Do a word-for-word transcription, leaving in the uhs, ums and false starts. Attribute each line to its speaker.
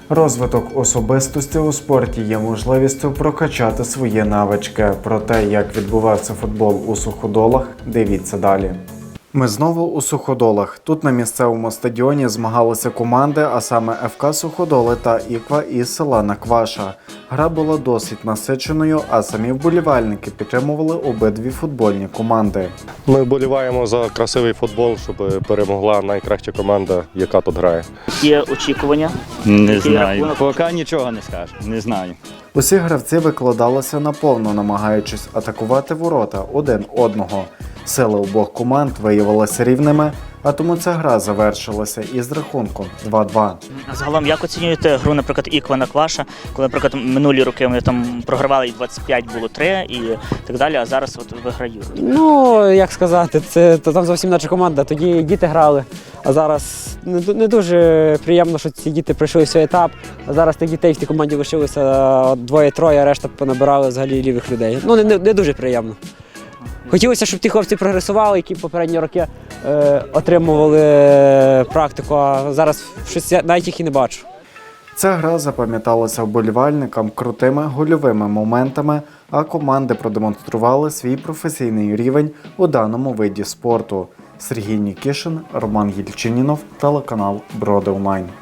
Speaker 1: Розвиток особистості у спорті є можливістю прокачати свої навички. Про те, як відбувався футбол у Суходолах, дивіться далі. Ми знову у Суходолах. Тут на місцевому стадіоні змагалися команди, а саме еф ка Суходоли та Іква із села Накваша. Гра була досить насиченою, а самі вболівальники підтримували обидві футбольні команди.
Speaker 2: Ми вболіваємо за красивий футбол, щоб перемогла найкраща команда, яка тут грає.
Speaker 3: Є очікування?
Speaker 4: Не
Speaker 3: Який
Speaker 4: знаю.
Speaker 3: рахунок?
Speaker 4: Поки нічого не скажу. Не знаю.
Speaker 1: Усі гравці викладалися наповно, намагаючись атакувати ворота один одного. Сили обох команд виявилися рівними, а тому ця гра завершилася із рахунком два-два.
Speaker 3: Загалом, як оцінюєте гру, наприклад, Іква Накваша, коли, наприклад, минулі роки вони там програвали і двадцять п'ять було три і так далі, а зараз от виграють?
Speaker 5: Ну, як сказати, це то там зовсім інша команда. Тоді діти грали, а зараз не, не дуже приємно, що ці діти пройшли свій етап. А зараз тих дітей в тій команді лишилося двоє-троє, а решта понабирали взагалі лівих людей. Ну, не, не, не дуже приємно. Хотілося, щоб ті хлопці прогресували, які попередні роки е, отримували практику, а зараз щось я навіть їх і не бачу.
Speaker 1: Ця гра запам'яталася вболівальникам крутими гольовими моментами, а команди продемонстрували свій професійний рівень у даному виді спорту. Сергій Нікішин, Роман Єльчинінов, телеканал Броди Онлайн.